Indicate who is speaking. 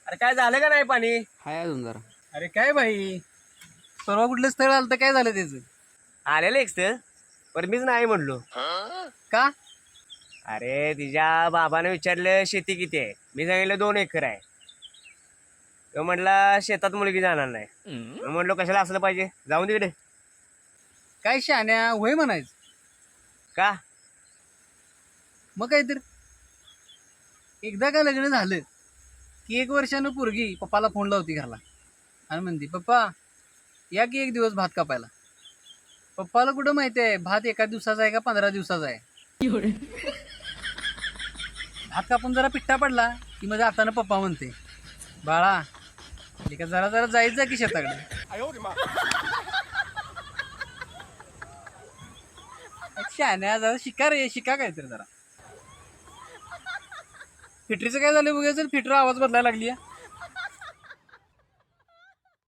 Speaker 1: अरे काय झालं का नाही पाणी?
Speaker 2: हाय अजून जरा.
Speaker 3: अरे काय भाई, परवा कुठलं स्थळ आलं तर काय झालं त्याचं?
Speaker 1: आलेलं एकस पण मीच नाही म्हणलो.
Speaker 3: का?
Speaker 1: अरे तिच्या बाबाने विचारलं शेती किती आहे, मी सांगितलं 2 एकर आहे. तो म्हटला शेतात मुलगी जाणार नाही. मी म्हटलो कशाला असलं पाहिजे, जाऊन तिकडे.
Speaker 3: काय शहाण्या होय म्हणायचं.
Speaker 1: का?
Speaker 3: मग काय तर एकदा का लग्न झालं की 1 वर्षानं पोरगी पप्पाला फोन लावती घरला आणि म्हणते, पप्पा या की 1 दिवस भात कापायला. पप्पाला कुठं माहिती आहे भात 1 दिवसाचा आहे का 15 दिवसाचा आहे. भात कापून जरा पिट्टा पडला की माझ्या हातानं पप्पा म्हणते, बाळा का जरा जरा जायचं की शेताकडे. शहाण्या जरा शिका रे, शिका काय तर जरा. फिटरीचं काय झालं बघायचं, फिटर आवाज बदलायला लागली.